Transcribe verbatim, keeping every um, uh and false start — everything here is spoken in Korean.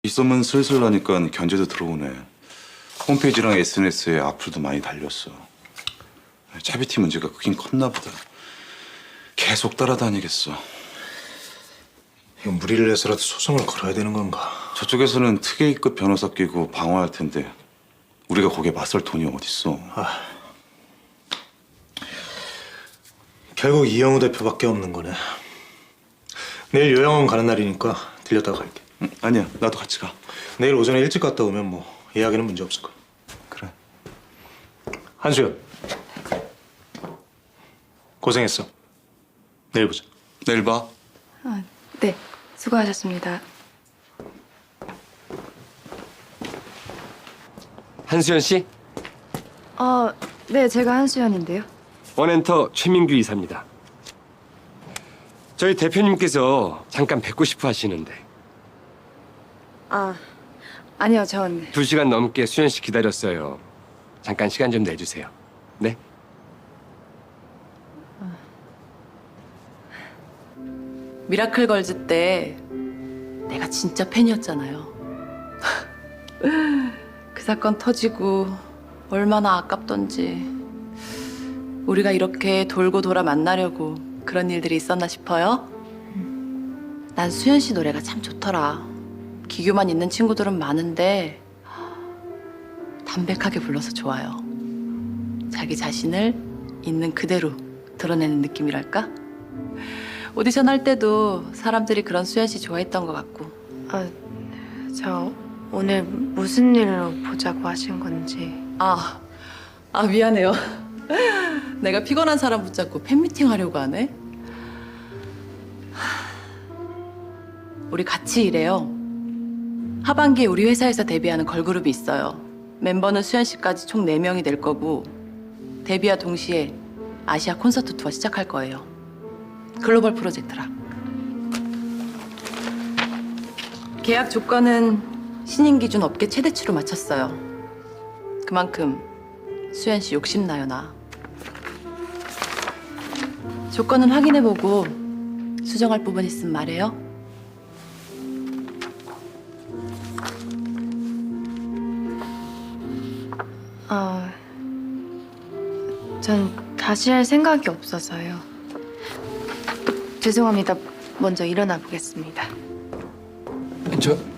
입소문 슬슬 나니까 견제도 들어오네. 홈페이지랑 에스엔에스에 악플도 많이 달렸어. 차비티 문제가 크긴 컸나 보다. 계속 따라다니겠어. 이건 무리를 해서라도 소송을 걸어야 되는 건가? 저쪽에서는 특혜급 변호사 끼고 방어할 텐데 우리가 거기에 맞설 돈이 어딨어. 아, 결국 이영우 대표밖에 없는 거네. 내일 요양원 가는 날이니까 들렸다 갈게. 응, 아니야, 나도 같이 가. 내일 오전에 일찍 갔다 오면 뭐 예약에는 문제 없을 거야. 그래. 한수연, 고생했어. 내일 보자. 내일 봐. 아, 네, 수고하셨습니다. 한수연 씨, 어, 네, 제가 한수연인데요. 원엔터 최민규 이사입니다. 저희 대표님께서 잠깐 뵙고 싶어 하시는데 아, 아니요, 전 두 시간 넘게 수연 씨 기다렸어요. 잠깐 시간 좀 내주세요. 네? 미라클 걸즈 때 내가 진짜 팬이었잖아요. 그 사건 터지고 얼마나 아깝던지. 우리가 이렇게 돌고 돌아 만나려고 그런 일들이 있었나 싶어요. 난 수연 씨 노래가 참 좋더라. 기교만 있는 친구들은 많은데 담백하게 불러서 좋아요. 자기 자신을 있는 그대로 드러내는 느낌이랄까? 오디션 할 때도 사람들이 그런 수연 씨 좋아했던 것 같고. 아, 저 오늘 무슨 일로 보자고 하신 건지. 아, 아 미안해요. 내가 피곤한 사람 붙잡고 팬미팅 하려고 하네. 우리 같이 일해요. 하반기에 우리 회사에서 데뷔하는 걸그룹이 있어요. 멤버는 수연 씨까지 총 네 명이 될 거고 데뷔와 동시에 아시아 콘서트 투어 시작할 거예요. 글로벌 프로젝트라. 계약 조건은 신인 기준 업계 최대치로 맞췄어요. 그만큼 수연 씨 욕심나요, 나. 조건은 확인해보고 수정할 부분 있으면 말해요. 어, 전 다시 할 생각이 없어서요. 죄송합니다. 먼저 일어나 보겠습니다. 저